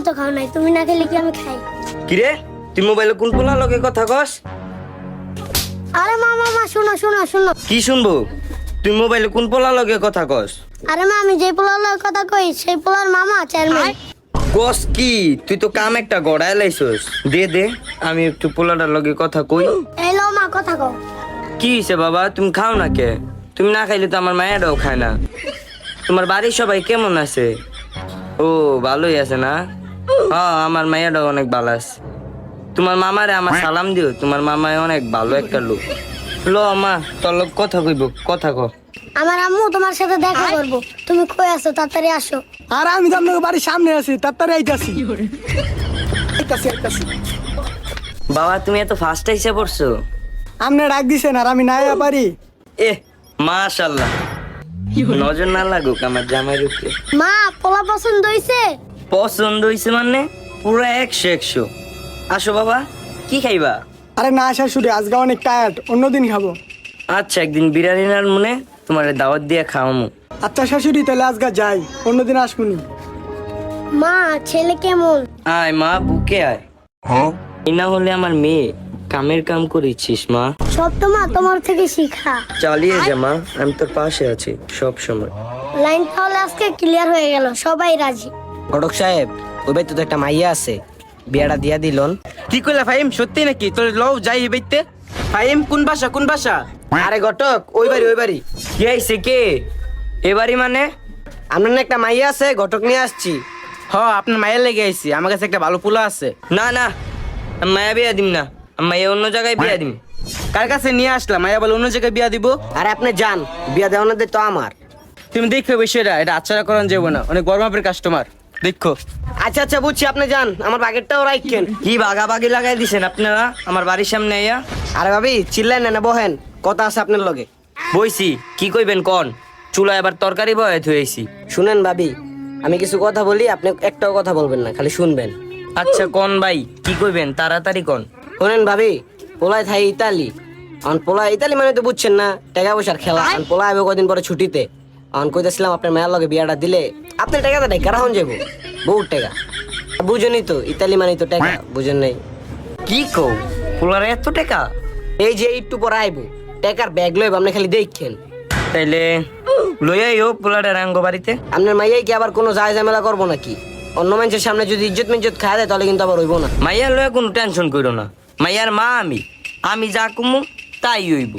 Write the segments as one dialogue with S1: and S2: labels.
S1: তো খাও নাই, তুমি না খেলে কি আমি খাই?
S2: কিরে তুই মোবাইলে কোন পোলা লগে কথা কস?
S1: আরে মা মা মা শোনো শোনো শোনো।
S2: কি শুনবো? তুই মোবাইলে কোন পোলা লগে কথা কস?
S1: আরে মা আমি যে পোলার কথা কই সেই পোলার মামা চেয়ারম্যান।
S2: কস কি? তুই তো কাম একটা গড়ায় লাইছস। দে দে আমি একটু পোলাটার লগে কথা কই।
S1: এই লো মা কথা কও।
S2: কি হইছে বাবা, তুমি খাও না কে? তুমি না খাইলে তো আমার মায়েরাও খায় না। তোমার বাড়ির সবাই কেমন আছে? ও ভালোই আছে না? হ্যাঁ আমার মায়েরাও অনেক ভালো আছে। তোমার মামারে আমার সালাম দিও, তোমার মামায় অনেক ভালো একটা লোক। লো মা তোর লোক কথা কইব, কথা ক।
S1: আমার আম্মু তোমার সাথে দেখা করব, তুমি কই আছো তাড়াতাড়ি আসো।
S3: আর আমি তো আপনার বাড়ির সামনে আছি, তাড়াতাড়ি আইতাছি। আইতাছি।
S2: বাবা তুমি এত ফাস্ট আইসা পড়ছো?
S3: আপনি ডাক দিছেন আর আমি না আইয়া পারি?
S2: এ মাশাআল্লাহ, নজর না লাগুক আমার জামাইয়ের উপরে।
S1: মা পোলা পছন্দ হইছে?
S2: পছন্দ হইছে মানে পুরো 100 আসো বাবা, কি খাইবা?
S3: আরে না শাশুড়ি, আজকে অনেক টায়ার্ড, অন্যদিন খাবো।
S2: আচ্ছা একদিন বিরিয়ানি আর মনে তোমার দাওয়াত দিয়ে খাওয়ামু।
S3: আচ্ছা শাশুড়ি তাহলে আজকে যাই, অন্যদিন আসবনি।
S1: মা ছেলে কেমন?
S2: আয় মা বুকে আয়। এই না হলে আমার মেয়ে, কামের কাম করেছিস মা।
S1: সব তো মা তোমার থেকে শিখা।
S2: চালিয়ে যা মা, আমি তোর পাশে আছি সব সময়।
S1: লাইন তাহলে আজকে ক্লিয়ার হয়ে গেল, সবাই রাজি।
S4: ঘটক সাহেব, ওই বাড়িতে তো একটা মাইয়া আছে, বিয়াটা দিয়া দিলন।
S5: কি কইলা ফাহিম, সত্যি নাকি? তোর লও যাই এই বাইতে। ফাহিম কোন ভাষা কোন ভাষা?
S4: আরে ঘটক, ওই বাড়ি।
S2: কি আইছে কে? এবারই মানে?
S4: আপনার না একটা মাইয়া আছে, ঘটক নিয়ে আসছি।
S5: হ আপনার মায়ের লেগে আইছি, আমার কাছে একটা ভালো পোলা আছে।
S2: না না আমি মায়া বিয়া দিম না, আমি মায়া অন্য জায়গায় বিয়া দিম।
S5: কার কাছে নিয়ে আসলাম? মায়া বলে অন্য জায়গায় বিয়া দিব।
S4: আরে আপনি যান, বিয়া দেওয়ানোর তো আমার।
S5: তুমি দেখো বিষয়টা, এটা আচ্ছারা করান যাবো না, অনেক বড় মাপের কাস্টমার দেখো।
S4: আচ্ছা বুঝছি, আপনি যান, আমার বাগেরটাও রাখেন।
S2: কি বাগাবাগি লাগাই দিছেন আপনারা আমার বাড়ির সামনে আইয়া?
S4: আরে ভাবি চিল্লেন না, বহেন, কথা আছে আপনার লগে।
S2: বইছি, কি কইবেন কোন? চুলায় আবার তরকারি বয়ে থুয়েছি।
S4: শুনেন ভাবি, আমি কিছু কথা বলি, আপনি একটাও কথা বলবেন না, খালি শুনবেন।
S2: আচ্ছা কোন ভাই, কি কইবেন তাড়াতাড়ি কোন।
S4: শুনেন ভাবি, পোলায় থাই ইতালি। এখন পোলা ইতালি মানে তো বুঝছেন না, টাকা পয়সার খেলা। এখন পোলা আইবে কদিন পরে ছুটিতে। এখন কইতেছিলাম আপনার মেয়ের লগে বিয়াটা দিলে আপনার টাকাটা টাকা রাখুন যাবো, বহুত টাকা। বুঝেনি তো, ইতালি মানে তো টাকা, বুঝেন নাই?
S2: কি কও, পোলার এত টাকা?
S4: এই যে একটু পরে আইবো, টাকার ব্যাগ লইব, আপনি খালি দেখেন।
S2: তাইলে লইয়াইও পোলাটা রাঙ্গ বাড়িতে।
S4: আপনার মাইয়াই কি আবার কোনো যায় ঝামেলা করবো নাকি? অন্য মানুষের সামনে যদি ইজ্জত মিজ্জত খায় দেয় তাহলে কিন্তু আবার হইব না।
S2: মাইয়ার লয়ে কোনো টেনশন করো না, মাইয়ার মা আমি যা কমু তাই হইব।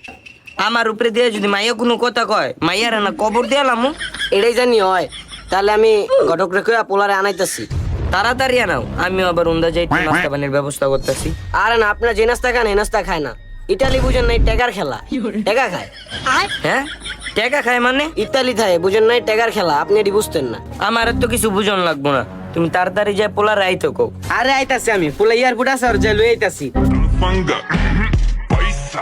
S2: আমার উপরে দিয়ে যদি মাইয়া কোনো কথা কয়, মাইয়ার না কবর দিয়ালামু।
S4: এটাই জানি হয়, তাহলে আমি ঘটক রেখে পোলারে আনাইতেছি।
S2: তাড়াতাড়ি আনাও, আমিও আবার উন্দা যাই নাস্তা পানির ব্যবস্থা করতেছি।
S4: আরে না, আপনার যে নাস্তা খান এই নাস্তা খায় না। ইতালি বুঝেন নাই, টাকার খেলা, টাকা খায়।
S2: হ্যাঁ টাকা খায় মানে?
S4: ইতালি থাকে, বুঝেন নাই, টাকার খেলা, আপনি এটি বুঝতেন না।
S2: আমার আর তো কিছু বুঝন লাগবো না, তুমি তাড়াতাড়ি যাই পোলার আইতো কও।
S5: আরে আইতাছি আমি, পোলা এয়ারপোর্ট আছে আর যাই লই আইতাছি।
S6: Manga. Paisa.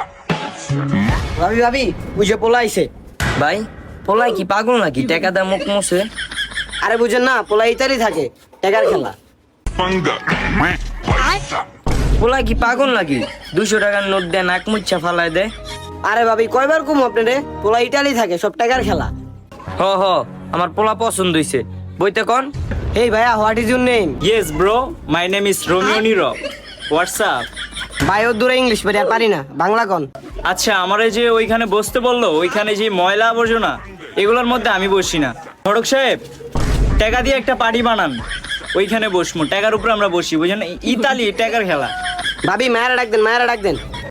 S4: ভাবি ভাবি, ওই যে পোলা আইছে।
S2: ভাই পোলাই কি পাগল নাকি? টাকা দা মুখ মুছে।
S4: আরে বুঝেন না, পোলা ইতালি থাকে, টাকার খেলা।
S6: Manga. Paisa.
S2: পোলাই কি পাগল নাকি? 200 টাকার নোট দেয় নাক মুচ্ছা ফালাই দেয়।
S4: আরে ভাবি কয়বার কম আপনারে, পোলা ইতালি থাকে, সব টাকার খেলা।
S2: হ আমার পোলা পছন্দ হইছে, বইতে কোন।
S4: এই ভাইয়া, what is your name?
S7: Yes, bro. My name is Romeo Niro. What's up?
S4: ভাই ও দূরে ইংলিশ বেরিয়ে আর পারি না, বাংলা কোন।
S7: আচ্ছা আমারে যে ওইখানে বসতে বললো, ওইখানে যে ময়লা আবর্জনা এগুলোর মধ্যে আমি বসি না। ঘটক সাহেব, টাকা দিয়ে একটা পার্টি বানান, ওইখানে বসমু, টাকার উপরে আমরা বসি, বুঝেন? ইতালি টাকার খেলা।
S4: ভাবি মায়েরা ডাক দেন, মায়েরা ডাক দেন।